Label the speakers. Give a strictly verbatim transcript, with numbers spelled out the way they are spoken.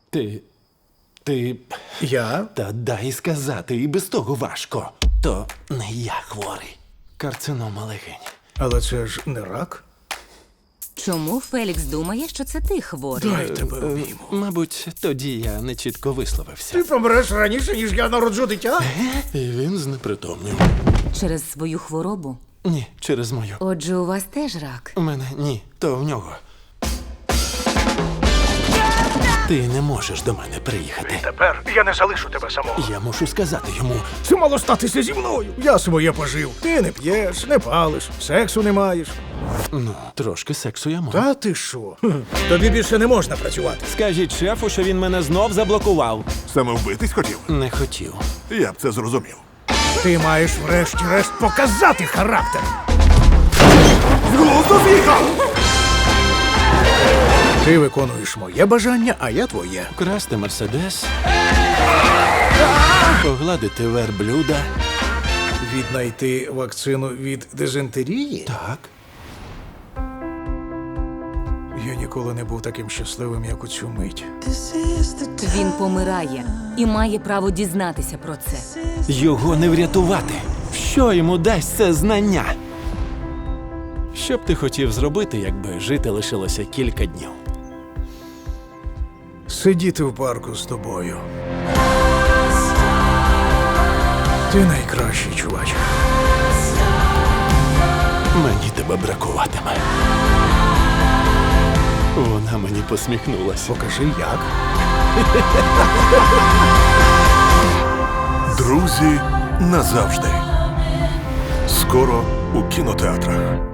Speaker 1: Ти. Ти.
Speaker 2: Я?
Speaker 1: Та дай сказати, і без того важко. То не я хворий. Карцинома легень.
Speaker 2: Але це ж не рак.
Speaker 3: Чому Фелікс думає, що це ти хворий?
Speaker 2: Дай тебе обійму.
Speaker 1: Мабуть, тоді я не чітко висловився.
Speaker 2: Ти помреш раніше, ніж я народжу дитя?
Speaker 1: І він знепритомнів.
Speaker 3: Через свою хворобу?
Speaker 1: Ні, через мою.
Speaker 3: Отже, у вас теж рак.
Speaker 1: У мене ні, то в нього. Ти не можеш до мене приїхати.
Speaker 2: Тепер я не залишу тебе самого.
Speaker 1: Я мушу сказати йому.
Speaker 2: Це мало статися зі мною. Я своє пожив. Ти не п'єш, не палиш, сексу не маєш.
Speaker 1: Ну, трошки сексу я можу.
Speaker 2: Та ти що? Хм. Тобі більше не можна працювати.
Speaker 1: Скажіть шефу, що він мене знов заблокував.
Speaker 4: Саме вбитись хотів?
Speaker 1: Не хотів.
Speaker 4: Я б це зрозумів.
Speaker 2: Ти маєш врешті-решт показати характер.
Speaker 4: З глузду з'їхав!
Speaker 2: Ти виконуєш моє бажання, а я твоє.
Speaker 1: Красти мерседес. Погладити верблюда.
Speaker 2: Віднайти вакцину від дизентерії?
Speaker 1: Так.
Speaker 2: Я ніколи не був таким щасливим, як у цю мить.
Speaker 3: Він помирає і має право дізнатися про це.
Speaker 1: Його не врятувати. Що йому дасть це знання? Що б ти хотів зробити, якби жити лишилося кілька днів?
Speaker 2: Сидіти в парку з тобою. Ти найкращий, чувач.
Speaker 1: Мені тебе бракуватиме. Вона мені посміхнулася.
Speaker 2: Покажи, як.
Speaker 4: Друзі назавжди. Скоро у кінотеатрах.